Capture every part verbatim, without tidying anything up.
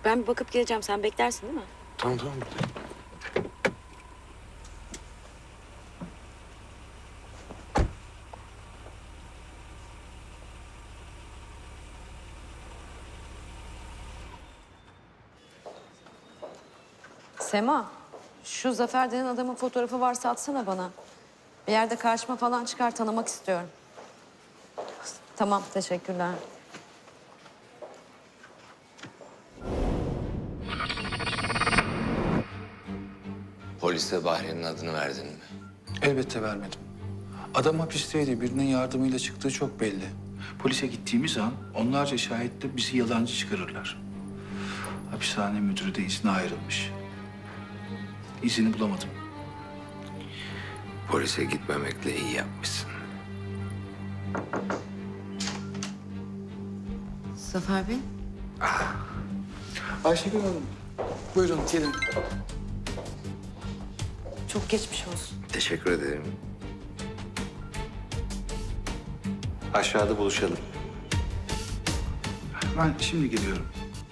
Ben bir bakıp geleceğim. Sen beklersin değil mi? Tamam tamam. Sema, şu Zafer denen adamın fotoğrafı varsa atsana bana. Bir yerde karşıma falan çıkar, tanımak istiyorum. Tamam, teşekkürler. Polise Bahri'nin adını verdin mi? Elbette vermedim. Adam hapisteydi. Birinin yardımıyla çıktığı çok belli. Polise gittiğimiz an onlarca şahitle bizi yalancı çıkarırlar. Hapishane müdürü de izne ayrılmış. İzini bulamadım. Polise gitmemekle iyi yapmışsın. Zafer Bey? Ayşegül Hanım, buyurun gelin. Çok geçmiş olsun. Teşekkür ederim. Aşağıda buluşalım. Ben şimdi geliyorum.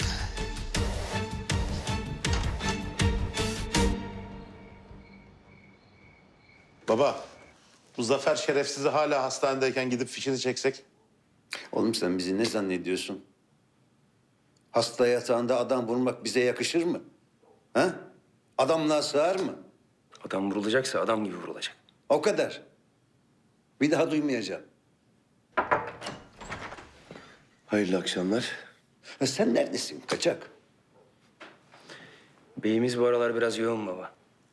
Baba, bu Zafer şerefsizi hala hastanedeyken gidip fişini çeksek? Oğlum sen bizi ne zannediyorsun? Hasta yatağında adam vurmak bize yakışır mı? Ha? Adamlığa sığar mı? Adam vurulacaksa adam gibi vurulacak. O kadar. Bir daha duymayacağım. Hayırlı akşamlar. Ha, sen neredesin kaçak? Beyimiz bu aralar biraz yoğun baba.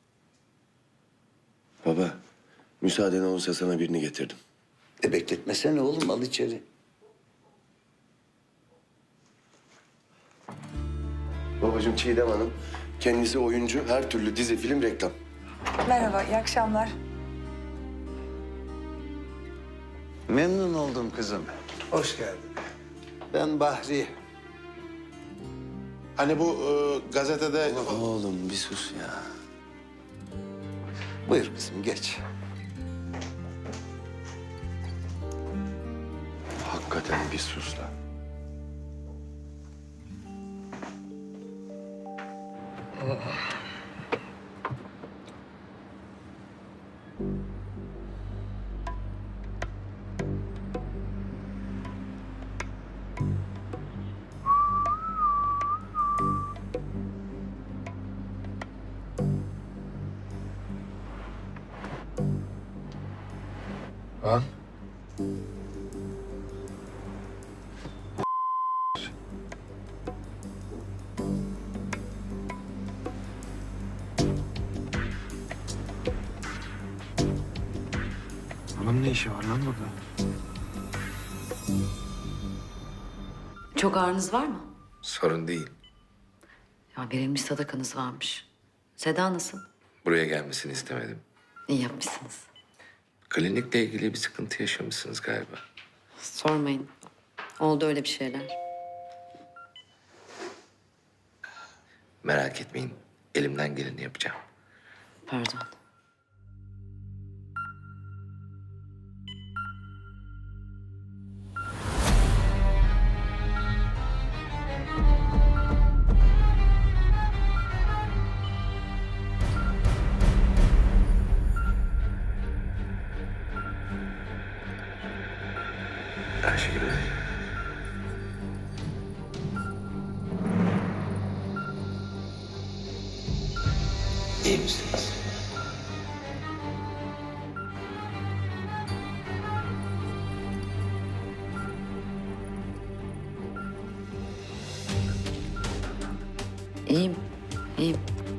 Baba, müsaaden olursa sana birini getirdim. E bekletmesene oğlum, al içeri. Babacığım Çiğdem Hanım, kendisi oyuncu, her türlü dizi, film, reklam. Merhaba, iyi akşamlar. Memnun oldum kızım. Hoş geldin. Ben Bahri. Hani bu e, gazetede... Oğlum bir sus ya. Buyur kızım, geç. Hakikaten bir sus lan. Lan. Onun ne işi var lan burada? Çok ağrınız var mı? Sorun değil. Ya verilmiş sadakanız varmış. Seda nasıl? Buraya gelmesini istemedim. İyi yapmışsınız. Klinikle ilgili bir sıkıntı yaşamışsınız galiba. Sormayın. Oldu öyle bir şeyler. Merak etmeyin. Elimden geleni yapacağım. Pardon. Ayşegül Hanım. İyi misiniz? İyiyim. İyiyim.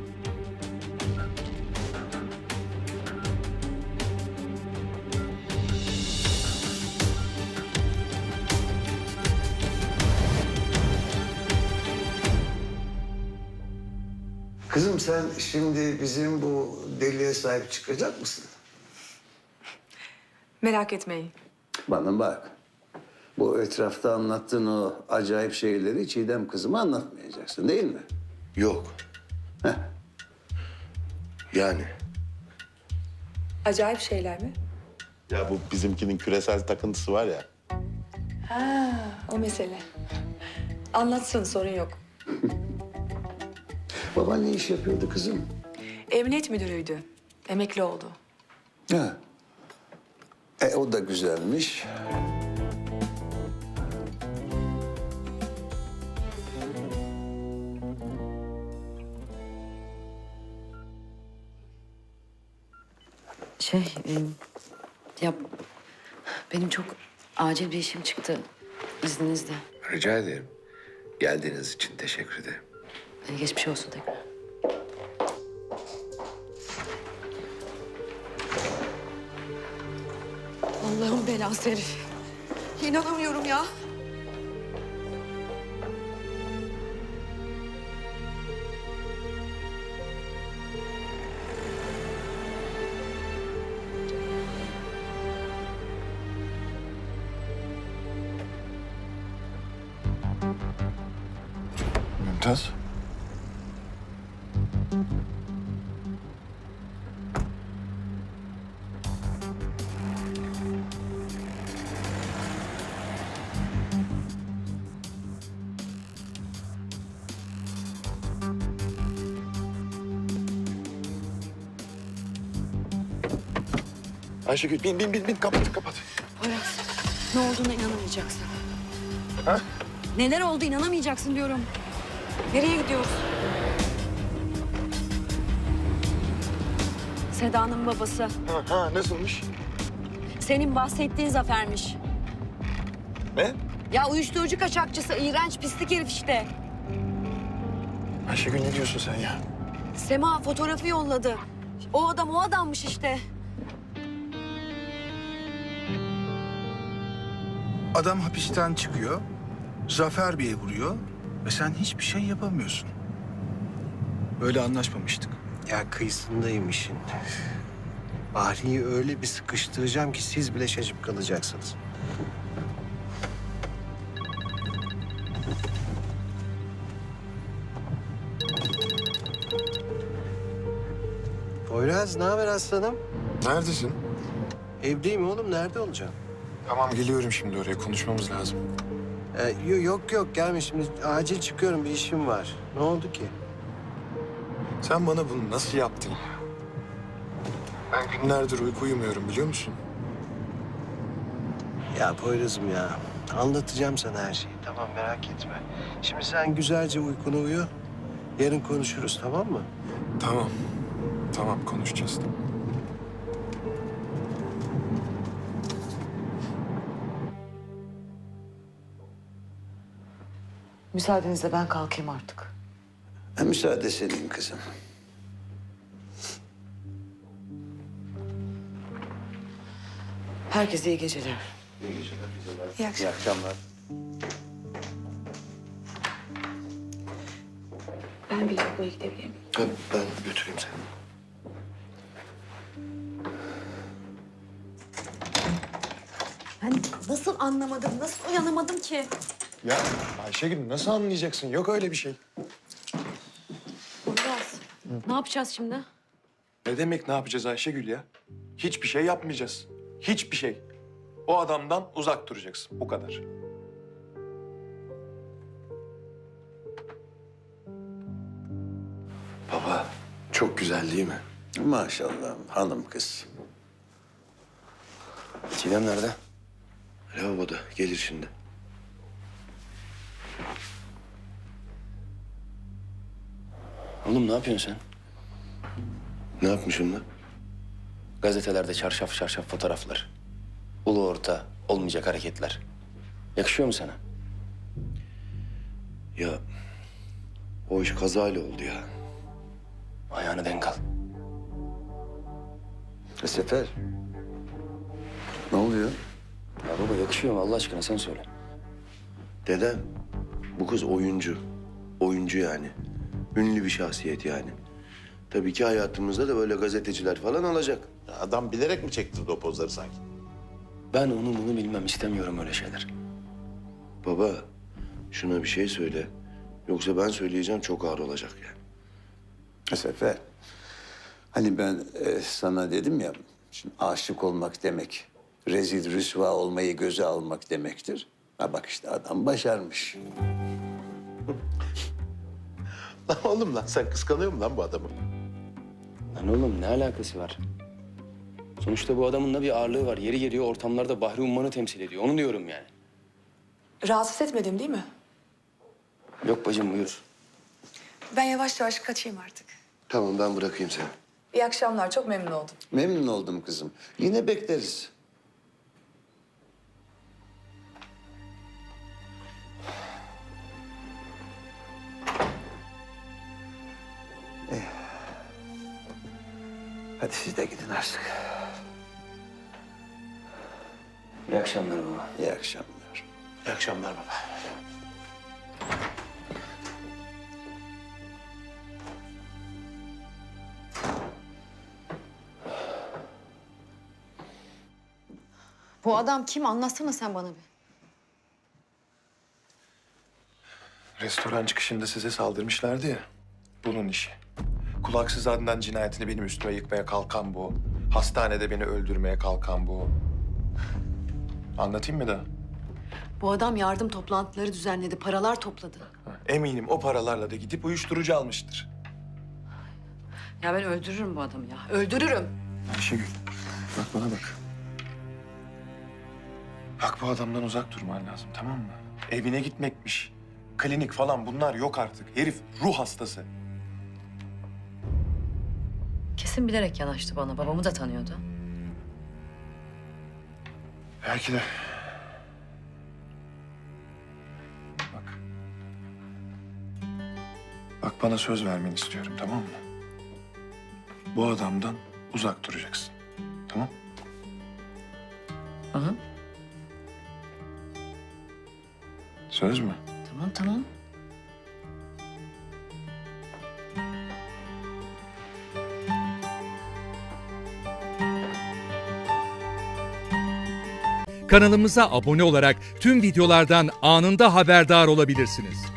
Kızım sen şimdi bizim bu deliye sahip çıkacak mısın? Merak etmeyin. Bana bak. Bu etrafta anlattığın o acayip şeyleri Çiğdem kızıma anlatmayacaksın değil mi? Yok. Heh. Yani. Acayip şeyler mi? Ya bu bizimkinin küresel takıntısı var ya. Ha, o mesele. Anlatsın, sorun yok. Baban ne iş yapıyordu kızım? Emniyet müdürüydü. Emekli oldu. Ha. E o da güzelmiş. Şey, e, ya benim çok acil bir işim çıktı izninizle. Rica ederim. Geldiğiniz için teşekkür ederim. E, geçmiş olsun tekrar. Allah'ın belası herif. İnanamıyorum ya. Mümtaz. Ayşegül bin bin bin bin kapat kapat. Poyraz, ne olduğuna inanamayacaksın. Ha? Neler oldu inanamayacaksın diyorum. Nereye gidiyoruz? Seda'nın babası. Ha, ha nasılmış? Senin bahsettiğin Zafer'miş. Ne? Ya uyuşturucu kaçakçısı, iğrenç pislik herif işte. Ayşegül ne diyorsun sen ya? Sema fotoğrafı yolladı. O adam o adammış işte. Adam hapisten çıkıyor, Zafer Bey'e vuruyor ve sen hiçbir şey yapamıyorsun. Böyle anlaşmamıştık. Ya kıyısındayım işin. Bahri'yi öyle bir sıkıştıracağım ki siz bile şaşıp kalacaksınız. Poyraz, ne haber aslanım? Neredesin? Evdeyim oğlum, nerede olacağım? Tamam geliyorum şimdi oraya konuşmamız lazım. Ee, yo- yok yok, gelme şimdi. Acil çıkıyorum, bir işim var. Ne oldu ki? Sen bana bunu nasıl yaptın ya? Ben günlerdir uyku uyumuyorum biliyor musun? Ya Poyraz'ım ya, anlatacağım sana her şeyi. Tamam, merak etme. Şimdi sen güzelce uykunu uyu. Yarın konuşuruz, tamam mı? Tamam. Tamam konuşacağız. Müsaadenizle ben kalkayım artık. Ha, müsaade senin kızım. Herkese iyi geceler. İyi akşamlar. İyi akşamlar. Ben bir lavaboya gidebilir miyim? Tabii ben götüreyim seni. Ben nasıl anlamadım, nasıl uyanamadım ki? Ya Ayşegül nasıl anlayacaksın? Yok öyle bir şey. Poyraz, ne yapacağız şimdi? Ne demek ne yapacağız Ayşegül ya? Hiçbir şey yapmayacağız. Hiçbir şey. O adamdan uzak duracaksın. Bu kadar. Baba, çok güzel değil mi? Maşallah hanım kız. Çiğdem nerede? Lavaboda. Gelir şimdi. Oğlum ne yapıyorsun sen? Ne yapmışım lan? Gazetelerde çarşaf çarşaf fotoğraflar. Ulu orta olmayacak hareketler. Yakışıyor mu sana? Ya o iş kazayla oldu ya. Ayağını denk al. E, Sefer. Ne oluyor? Ya baba yakışıyor mu Allah aşkına sen söyle. Dedem bu kız oyuncu. Oyuncu yani. Ünlü bir şahsiyet yani. Tabii ki hayatımızda da böyle gazeteciler falan olacak. Adam bilerek mi çektirdi o pozları sanki? Ben onu bunu bilmem istemiyorum öyle şeyler. Baba şuna bir şey söyle. Yoksa ben söyleyeceğim çok ağır olacak yani. E, Sefer. Hani ben e, sana dedim ya, şimdi aşık olmak demek, rezil rüsva olmayı göze almak demektir. Ha bak işte adam başarmış. Lan oğlum lan sen kıskanıyor musun lan bu adamı? Lan oğlum ne alakası var? Sonuçta bu adamın da bir ağırlığı var. Yeri geliyor ortamlarda Bahri Umman'ı temsil ediyor. Onu diyorum yani. Rahatsız etmedim değil mi? Yok bacım buyur. Ben yavaş yavaş kaçayım artık. Tamam ben bırakayım seni. İyi akşamlar. Çok memnun oldum. Memnun oldum kızım. Yine bekleriz. Eh. Hadi siz de gidin artık. İyi akşamlar baba. İyi akşamlar. İyi akşamlar baba. Bu adam kim? Anlatsana sen bana bir. Restoran çıkışında size saldırmışlardı ya. Bunun işi. Kulaksız Adnan cinayetini benim üstüme yıkmaya kalkan bu. Hastanede beni öldürmeye kalkan bu. Anlatayım mı da? Bu adam yardım toplantıları düzenledi, paralar topladı. Eminim o paralarla da gidip uyuşturucu almıştır. Ya ben öldürürüm bu adamı ya. Öldürürüm. Ayşegül, bak bana bak. Bak bu adamdan uzak durman lazım, tamam mı? Evine gitmekmiş, klinik falan bunlar yok artık. Herif ruh hastası. Kesin bilerek yanaştı bana. Babamı da tanıyordu. Belki de. Bak. Bak bana söz vermeni istiyorum, tamam mı? Bu adamdan uzak duracaksın, tamam? Hı hı. Söz mü? Tamam tamam. Kanalımıza abone olarak tüm videolardan anında haberdar olabilirsiniz.